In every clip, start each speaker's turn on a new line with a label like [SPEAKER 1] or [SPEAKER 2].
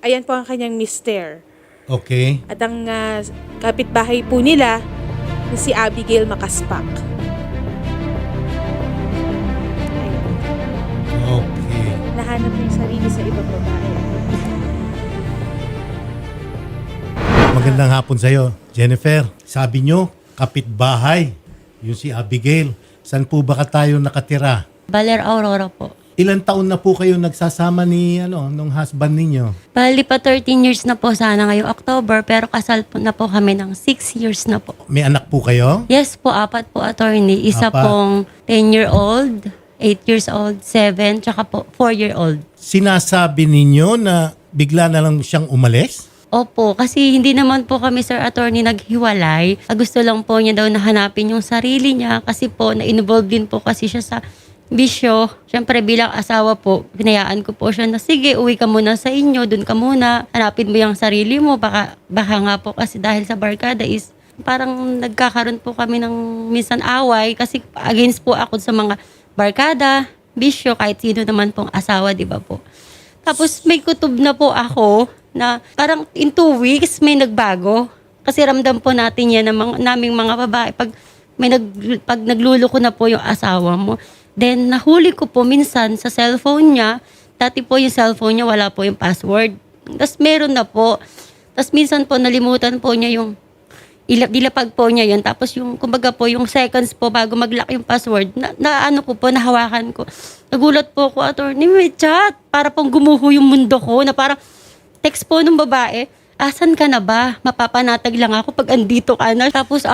[SPEAKER 1] Ayan po ang kanyang mister.
[SPEAKER 2] Okay.
[SPEAKER 1] At ang kapitbahay po nila, si Abigail Makaspak. Ayan.
[SPEAKER 2] Okay.
[SPEAKER 1] Nahanap niya yung sarili sa ibang babae.
[SPEAKER 2] Magandang hapon sa'yo, Jennifer. Sabi nyo, kapitbahay, yung si Abigail. Saan po ba tayo nakatira?
[SPEAKER 3] Baler Aurora po.
[SPEAKER 2] Ilan taon na po kayo nagsasama ni nung husband ninyo?
[SPEAKER 3] Bali pa 13 years na po sana ngayong October, pero kasal po na po kami ng 6 years na po.
[SPEAKER 2] May anak po kayo?
[SPEAKER 3] Yes po, 4 po, attorney. Isa
[SPEAKER 2] Apat.
[SPEAKER 3] pong 10-year-old, 8 years old, 7, tsaka po 4-year-old.
[SPEAKER 2] Sinasabi ninyo na bigla na lang siyang umalis?
[SPEAKER 3] Opo, kasi hindi naman po kami, sir attorney, naghiwalay. Gusto lang po niya daw na hanapin yung sarili niya kasi po na-involve din po kasi siya sa bisyo. Siyempre bilang asawa po, pinayaan ko po siya na sige, uwi ka muna sa inyo, dun ka muna, hanapin mo yung sarili mo. Baka nga po kasi dahil sa barkada is parang nagkakaroon po kami ng minsan away kasi against po ako sa mga barkada, bisyo, kahit sino naman pong asawa, di ba po. Tapos may kutob na po ako na parang in 2 weeks may nagbago. Kasi ramdam po natin yan ng naming mga babae. Pag nagluloko na po yung asawa mo. Then nahuli ko po minsan sa cellphone niya. Dati po yung cellphone niya wala po yung password. Tapos meron na po. Tapos minsan po nalimutan po niya yung dilapag po niya yun. Tapos yung, kumbaga po, yung seconds po bago mag-lock yung password, nahawakan ko. Nagulat po ako, attorney, may chat. Para pong gumuho yung mundo ko, na parang text po nung babae, asan ka na ba? Mapapanatag lang ako pag andito ka na. Tapos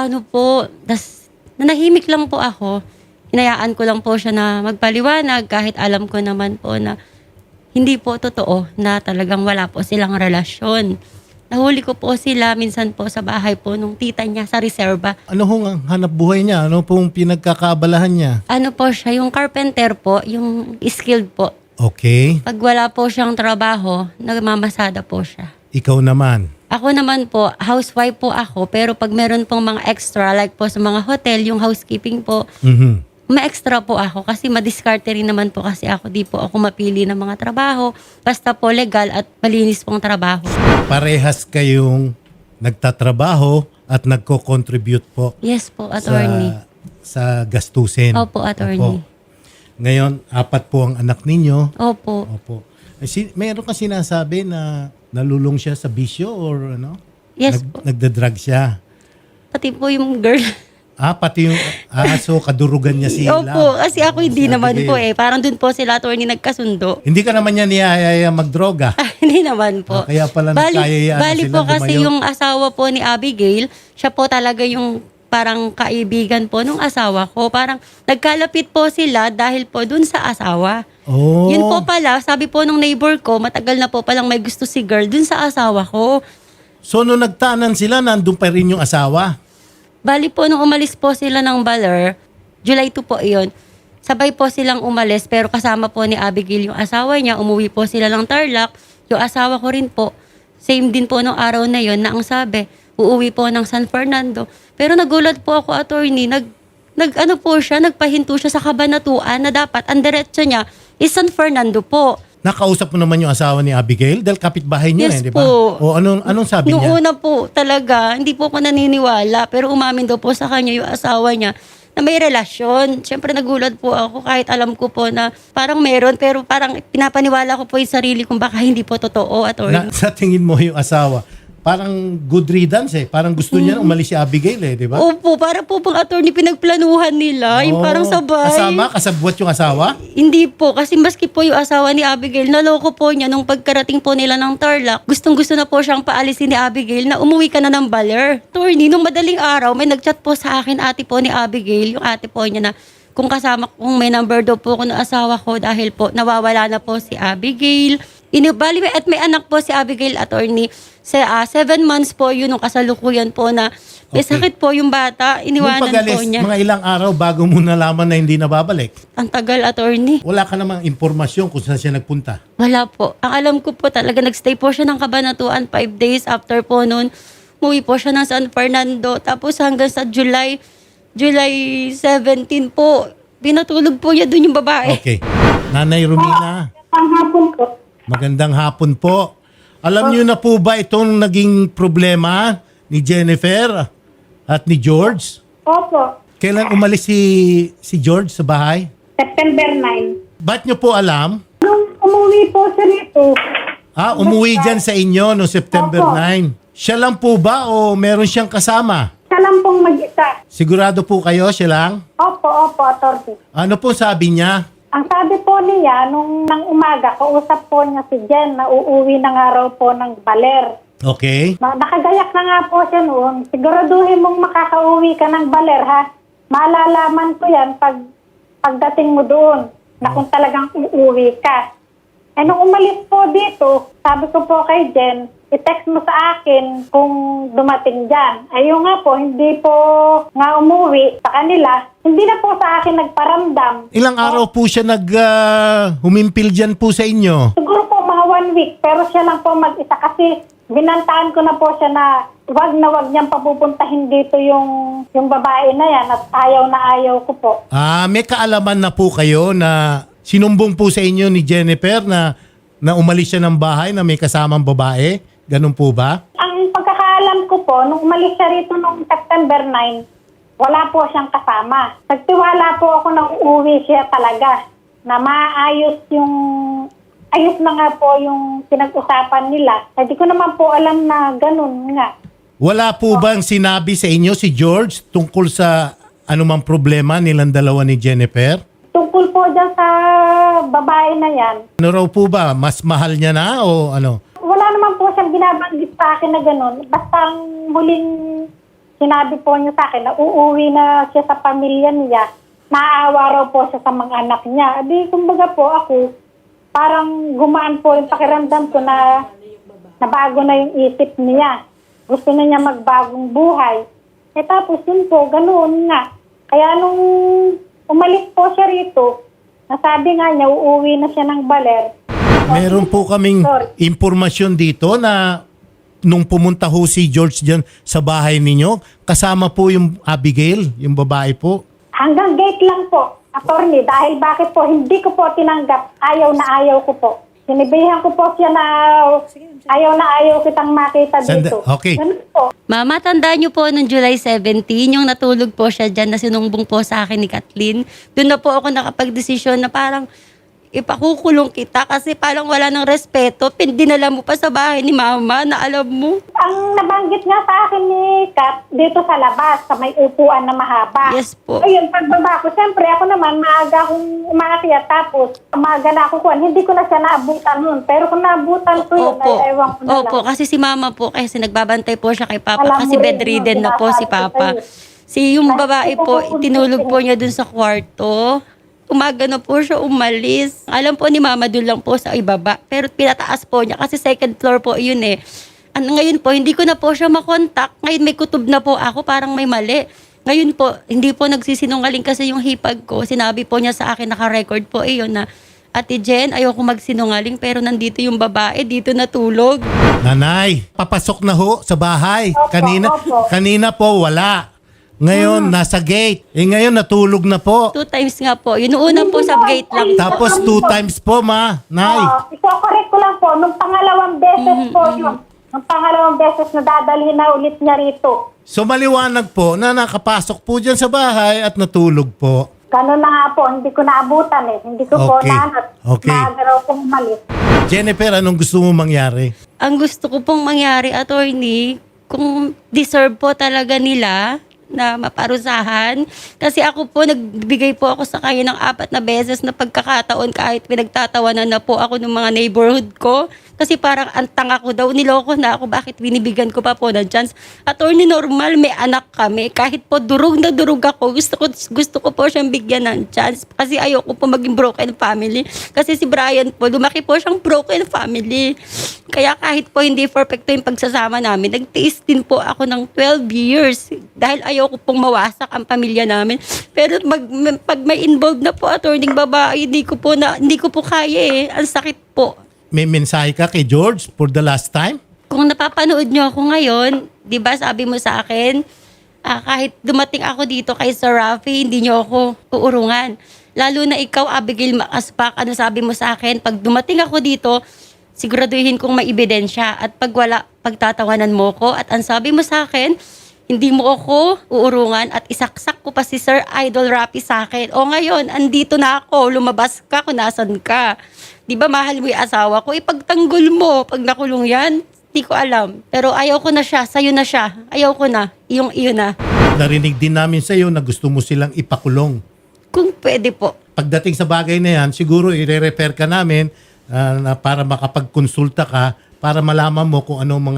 [SPEAKER 3] nanahimik lang po ako. Hinayaan ko lang po siya na magpaliwanag kahit alam ko naman po na hindi po totoo na talagang wala po silang relasyon. Nahuli ko po sila minsan po sa bahay po nung tita niya sa reserva.
[SPEAKER 2] Ano hong ang hanap buhay niya? Ano pong pinagkakaabalahan niya?
[SPEAKER 3] Ano po siya, yung carpenter po, yung skilled po.
[SPEAKER 2] Okay.
[SPEAKER 3] Pag wala po siyang trabaho, nagmamasada po siya.
[SPEAKER 2] Ikaw naman.
[SPEAKER 3] Ako naman po, housewife po ako, pero pag meron pong mga extra, like po sa mga hotel, yung housekeeping po, may extra po ako kasi madiskarte rin naman po kasi ako. Di po ako mapili ng mga trabaho. Basta po legal at malinis pong trabaho.
[SPEAKER 2] Parehas kayong nagtatrabaho at nagko-contribute po
[SPEAKER 3] Yes po, attorney.
[SPEAKER 2] sa gastusin.
[SPEAKER 3] Opo, attorney.
[SPEAKER 2] Opo. Ngayon, 4 po ang anak ninyo.
[SPEAKER 3] Opo.
[SPEAKER 2] Opo. Mayroon ka sinasabi na nalulong siya sa bisyo or ano?
[SPEAKER 3] Yes po.
[SPEAKER 2] Nagda-drug siya.
[SPEAKER 3] Pati po yung girl.
[SPEAKER 2] Pati yung so kadurugan niya si
[SPEAKER 3] Opo,
[SPEAKER 2] Love.
[SPEAKER 3] kasi ako hindi
[SPEAKER 2] Si
[SPEAKER 3] naman
[SPEAKER 2] Abigail.
[SPEAKER 3] po eh. Parang dun po sila attorney nagkasundo.
[SPEAKER 2] Hindi ka naman niya niyayaya magdroga.
[SPEAKER 3] Hindi naman po.
[SPEAKER 2] Kaya pala nagkayayaan
[SPEAKER 3] Bali
[SPEAKER 2] sila
[SPEAKER 3] po kasi
[SPEAKER 2] lumayo.
[SPEAKER 3] yung asawa po ni Abigail, siya po talaga yung parang kaibigan po nung asawa ko. Parang nagkalapit po sila dahil po dun sa asawa.
[SPEAKER 2] Oh.
[SPEAKER 3] Yun po pala, sabi po nung neighbor ko, matagal na po palang may gusto si girl dun sa asawa ko.
[SPEAKER 2] So nung nagtanan sila, nandun pa rin yung asawa.
[SPEAKER 3] Bali po, nung umalis po sila ng Baler, July 2 po iyon, sabay po silang umalis, pero kasama po ni Abigail yung asawa niya, umuwi po sila ng Tarlac, yung asawa ko rin po, same din po nung araw na yon na ang sabi, uuwi po ng San Fernando. Pero nagulat po ako, attorney, nagpahinto siya sa Kabanatuan na dapat ang diretso niya is San Fernando po.
[SPEAKER 2] Nakausap mo naman yung asawa ni Abigail dahil kapitbahay niyo
[SPEAKER 3] Yes
[SPEAKER 2] di ba?
[SPEAKER 3] po.
[SPEAKER 2] O anong sabi
[SPEAKER 3] Noong
[SPEAKER 2] niya?
[SPEAKER 3] una po talaga, hindi po ako naniniwala. Pero umamin daw po sa kanya yung asawa niya na may relasyon. Siyempre nagulat po ako kahit alam ko po na parang meron. Pero parang pinapaniwala ko po yung sarili kung baka hindi po totoo.
[SPEAKER 2] Sa tingin mo yung asawa, parang good riddance eh. Parang gusto niya umalis si Abigail di ba?
[SPEAKER 3] Opo, parang po bang attorney pinagplanuhan nila. Yung parang sabay.
[SPEAKER 2] Kasabwat yung asawa?
[SPEAKER 3] Hindi po, kasi maski po yung asawa ni Abigail, naloko po niya nung pagkarating po nila ng Tarlac. Gustong-gusto na po siyang paalisin ni Abigail na umuwi ka na ng Baler. Attorney, nung madaling araw, may nagchat po sa akin ate po ni Abigail, yung ate po niya na kung may number daw po ko ng asawa ko dahil po nawawala na po si Abigail. At may anak po si Abigail, attorney. 7 months po yun nung kasalukuyan po na may sakit po yung bata.
[SPEAKER 2] Nung
[SPEAKER 3] Iniwanan
[SPEAKER 2] pag-alis,
[SPEAKER 3] po niya.
[SPEAKER 2] mga ilang araw bago mo nalaman na hindi nababalik.
[SPEAKER 3] Ang tagal, attorney.
[SPEAKER 2] Wala ka namang impormasyon kung saan siya nagpunta.
[SPEAKER 3] Wala po. Ang alam ko po talaga, nagstay po siya ng Kabanatuan 5 days after po noon. Umuwi po siya ng San Fernando. Tapos hanggang sa July 17 po, pinatulog po niya doon yung babae.
[SPEAKER 2] Okay. Nanay Romina.
[SPEAKER 4] Ang hapon po.
[SPEAKER 2] Magandang hapon po. Alam niyo na po ba itong naging problema ni Jennifer at ni George?
[SPEAKER 4] Opo,
[SPEAKER 2] Kailan umalis si George sa bahay?
[SPEAKER 4] September 9.
[SPEAKER 2] Ba't niyo po alam?
[SPEAKER 4] Nung umuwi po siya rito,
[SPEAKER 2] Umuwi dyan sa inyo no September
[SPEAKER 4] Opo.
[SPEAKER 2] 9. Siya lang po ba o meron siyang kasama?
[SPEAKER 4] siya lang pong mag-isa.
[SPEAKER 2] Sigurado po kayo siya lang?
[SPEAKER 4] Opo, attorney.
[SPEAKER 2] Ano po sabi niya?
[SPEAKER 4] Ang sabi po niya, nung nang umaga, kausap po niya si Jen na uuwi na nga raw po ng Baler.
[SPEAKER 2] Okay.
[SPEAKER 4] Nakagayak na nga po siya noon. Siguraduhin mong makakauwi ka ng Baler, ha? Malalaman ko yan pagdating mo doon na kung talagang uuwi ka. Eh, nung umalis po dito, sabi ko po kay Jen, i-text mo sa akin kung dumating dyan. Ayun nga po, hindi po nga umuwi sa kanila. Hindi na po sa akin nagparamdam.
[SPEAKER 2] Ilang araw po siya humimpil dyan po sa inyo?
[SPEAKER 4] Siguro po mga 1 week, pero siya lang po mag-isa kasi binantaan ko na po siya na wag niyang papupuntahin dito yung babae na yan at ayaw ko po.
[SPEAKER 2] May kaalaman na po kayo na sinumbong po sa inyo ni Jennifer na umalis siya ng bahay na may kasamang babae? Ganun po ba?
[SPEAKER 4] Ang pagkakaalam ko po, nung umalis siya rito noong September 9, wala po siyang kasama. Nagtiwala po ako na uuwi siya talaga. Na maayos ayos na nga po yung pinag-usapan nila. Hindi ko naman po alam na ganun nga.
[SPEAKER 2] Wala po bang sinabi sa inyo si George tungkol sa anumang problema nilang dalawa ni Jennifer?
[SPEAKER 4] Tungkol po dyan sa babae na yan,
[SPEAKER 2] Ano raw po ba? Mas mahal niya na o ano?
[SPEAKER 4] wala naman po siyang binabanggit sa akin na ganun. Basta ang huling sinabi po niya sa akin na uuwi na siya sa pamilya niya, naaawa raw po siya sa mga anak niya. Di, kumbaga po ako, parang gumaan po yung pakiramdam ko na bago na yung isip niya. Gusto na niya magbagong buhay. Eh tapos yun po, ganoon nga. Kaya nung umalis po siya rito, nasabi nga niya, uuwi na siya ng Baler.
[SPEAKER 2] Meron po kaming impormasyon dito na nung pumunta ho si George dyan sa bahay ninyo, kasama po yung Abigail, yung babae po.
[SPEAKER 4] Hanggang gate lang po, attorney, dahil bakit po hindi ko po tinanggap, ayaw ko po. Sinibihan ko po siya na ayaw kitang makita dito.
[SPEAKER 2] Okay.
[SPEAKER 4] Ganun po.
[SPEAKER 3] Mama, tandaan niyo po nung July 17, yung natulog po siya dyan na sinumbong po sa akin ni Kathleen. Doon na po ako nakapag-desisyon na parang ipakukulong kita kasi parang wala ng respeto. Dinala mo pa sa bahay ni Mama na alam mo.
[SPEAKER 4] Ang nabanggit nga sa akin ni Kat, dito sa labas, sa may upuan na mahaba.
[SPEAKER 3] Yes po.
[SPEAKER 4] Ayun, pagbaba ko, siyempre ako naman, maaga akong umakyat, tapos maaga na ako kuhan. Hindi ko na siya naabutan nun. Pero kung naabutan ko yun, ay ewan ko na lang.
[SPEAKER 3] Opo, kasi si Mama po, kasi nagbabantay po siya kay Papa
[SPEAKER 4] Alam
[SPEAKER 3] kasi
[SPEAKER 4] mo rin
[SPEAKER 3] bedridden
[SPEAKER 4] yung
[SPEAKER 3] na po si
[SPEAKER 4] sinasabi ko
[SPEAKER 3] Papa.
[SPEAKER 4] sa'yo.
[SPEAKER 3] Yung babae po, itinulog po niya dun sa kwarto. Umaga na po siya umalis. Alam po ni Mama doon lang po sa ibaba. Pero pinataas po niya kasi second floor po yun eh. Ngayon po, hindi ko na po siya makontak. Ngayon may kutob na po ako, parang may mali. Ngayon po, hindi po nagsisinungaling kasi yung hipag ko. Sinabi po niya sa akin, naka-record po yun na, Ate Jen, ayoko magsinungaling pero nandito yung babae, dito natulog.
[SPEAKER 2] Nanay, papasok na ho sa bahay.
[SPEAKER 4] Opo,
[SPEAKER 2] Kanina po wala. Ngayon, nasa gate. Ngayon, natulog na po.
[SPEAKER 3] 2 times nga po. Yun una po sa gate lang.
[SPEAKER 2] Tapos 2 times po, ma. Nay.
[SPEAKER 4] Iko-correct ko lang po, nung pangalawang beses po yun. Nung pangalawang beses na dadalhin na ulit niya rito.
[SPEAKER 2] So, maliwanag po na nakapasok po dyan sa bahay at natulog po.
[SPEAKER 4] Ganun na nga po, hindi ko naabutan eh. Hindi ko po
[SPEAKER 2] Okay.
[SPEAKER 4] nahanap.
[SPEAKER 2] Okay.
[SPEAKER 4] Maaga raw pong umalis.
[SPEAKER 2] Jennifer, anong gusto mo mangyari?
[SPEAKER 3] Ang gusto ko pong mangyari, attorney, kung deserve po talaga nila na maparusahan. Kasi ako po, nagbigay po ako sa kanya ng 4 na beses na pagkakataon kahit pinagtatawanan na po ako ng mga neighborhood ko. Kasi parang antang ako daw, niloko na ako, bakit binibigyan ko pa po ng chance. Attorney, normal, may anak kami. Kahit po durog na durog ako, gusto ko po siyang bigyan ng chance. Kasi ayoko po maging broken family. Kasi si Brian po, lumaki po siyang broken family. Kaya kahit po hindi perfecto yung pagsasama namin, nagtiis din po ako ng 12 years. Dahil ayoko pong mawasak ang pamilya namin. Pero pag may involved na po, attorney babae, hindi ko po kaya eh. Ang sakit po.
[SPEAKER 2] May mensahe ka kay George for the last time?
[SPEAKER 3] Kung napapanood nyo ako ngayon, di ba sabi mo sa akin, kahit dumating ako dito kay Sir Rafi, hindi nyo ako uurungan. Lalo na ikaw, Abigail Makaspak, ano sabi mo sa akin, pag dumating ako dito, siguraduhin kong may ebidensya. At pag wala, pagtatawanan mo ko. At ang sabi mo sa akin, hindi mo ako uurungan at isaksak ko pa si Sir Idol Rapi sa akin. O ngayon, andito na ako, lumabas ka kung nasan ka. Di ba mahal mo yung asawa ko? Ipagtanggol mo pag nakulong yan. Di ko alam. Pero ayaw ko na siya, sa'yo na siya. Ayaw ko na, iyo na.
[SPEAKER 2] Narinig din namin sa iyo na gusto mo silang ipakulong.
[SPEAKER 3] Kung pwede po.
[SPEAKER 2] Pagdating sa bagay na yan, siguro i-refer ka namin na para makapagkonsulta ka para malaman mo kung anong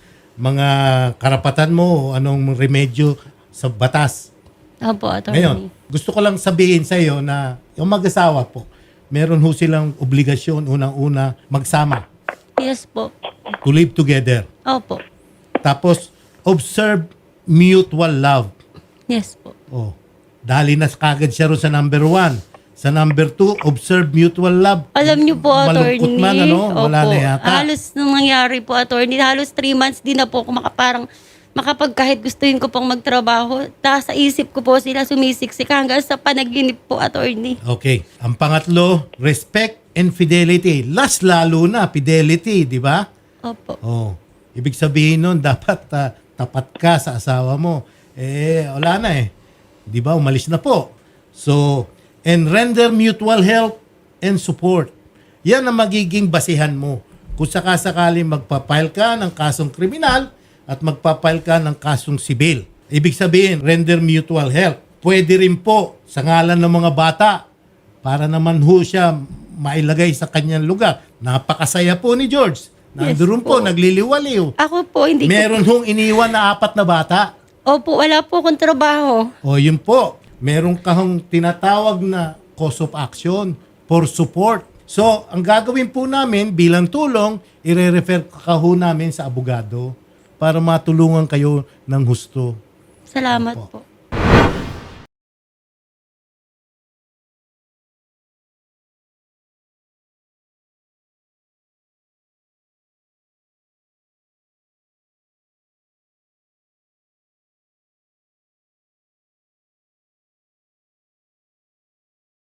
[SPEAKER 2] mga karapatan mo o anong remedyo sa batas.
[SPEAKER 3] Opo, attorney.
[SPEAKER 2] Ngayon, gusto ko lang sabihin sa iyo na yung mag-asawa po, meron ho silang obligasyon unang-una magsama,
[SPEAKER 3] Yes po.
[SPEAKER 2] to live together.
[SPEAKER 3] Opo.
[SPEAKER 2] Tapos, observe mutual love.
[SPEAKER 3] Yes po.
[SPEAKER 2] Oh, dali na kagad siya ron sa number 1. Sa number 2, observe mutual love.
[SPEAKER 3] Alam niyo po, attorney.
[SPEAKER 2] Malungkot man, ano? Wala
[SPEAKER 3] Opo.
[SPEAKER 2] na yata.
[SPEAKER 3] Halos nung nangyari po, attorney, halos 3 months din na po ako makapag kahit gustuhin ko pong magtrabaho. Sa isip ko po sila sumisiksik hanggang sa panaginip po, attorney.
[SPEAKER 2] Okay. Ang pangatlo, respect and fidelity. Last lalo na, fidelity, di ba?
[SPEAKER 3] Opo.
[SPEAKER 2] Oh, ibig sabihin nun, dapat tapat ka sa asawa mo. Wala na eh. Di ba? Umalis na po. So, and render mutual help and support. Yan ang magiging basihan mo. Kung sakasakali magpapile ka ng kasong kriminal at magpapile ka ng kasong sibil. Ibig sabihin, render mutual help. Pwede rin po sa ngalan ng mga bata para naman ho siya mailagay sa kanyang lugar. Napakasaya po ni George. Nandoon po, nagliliwaliw.
[SPEAKER 3] Ako po, hindi
[SPEAKER 2] Meron hong iniwan na 4 na bata.
[SPEAKER 3] Opo, wala po akong trabaho.
[SPEAKER 2] O yun po, meron kahong tinatawag na cause of action for support. So, ang gagawin po namin bilang tulong, ire-refer ka ho namin sa abogado para matulungan kayo ng husto.
[SPEAKER 3] Salamat
[SPEAKER 2] Opo.
[SPEAKER 3] po.